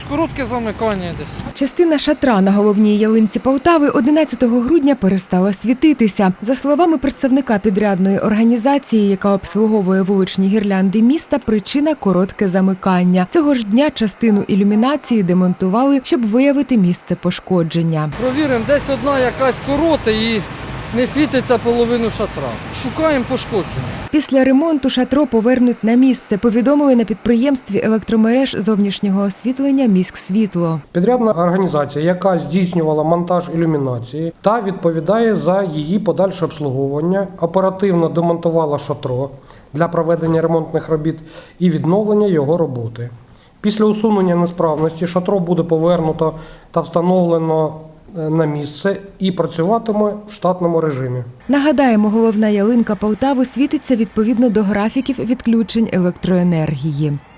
коротке замикання десь. Частина шатра на головній ялинці Полтави 11 грудня перестала світитися. За словами представника підрядної організації, яка обслуговує вуличні гірлянди міста, причина – коротке замикання. Цього ж дня частину ілюмінації демонтували, щоб виявити місце пошкодження. Провіримо, десь одна якась корота і не світиться половину шатра. Шукаємо пошкодження. Після ремонту шатро повернуть на місце, повідомили на підприємстві електромереж зовнішнього освітлення «Міськсвітло». Підрядна організація, яка здійснювала монтаж ілюмінації та відповідає за її подальше обслуговування, оперативно демонтувала шатро для проведення ремонтних робіт і відновлення його роботи. Після усунення несправності шатро буде повернуто та встановлено на місце і працюватиме в штатному режимі. Нагадаємо, головна ялинка Полтави світиться відповідно до графіків відключень електроенергії.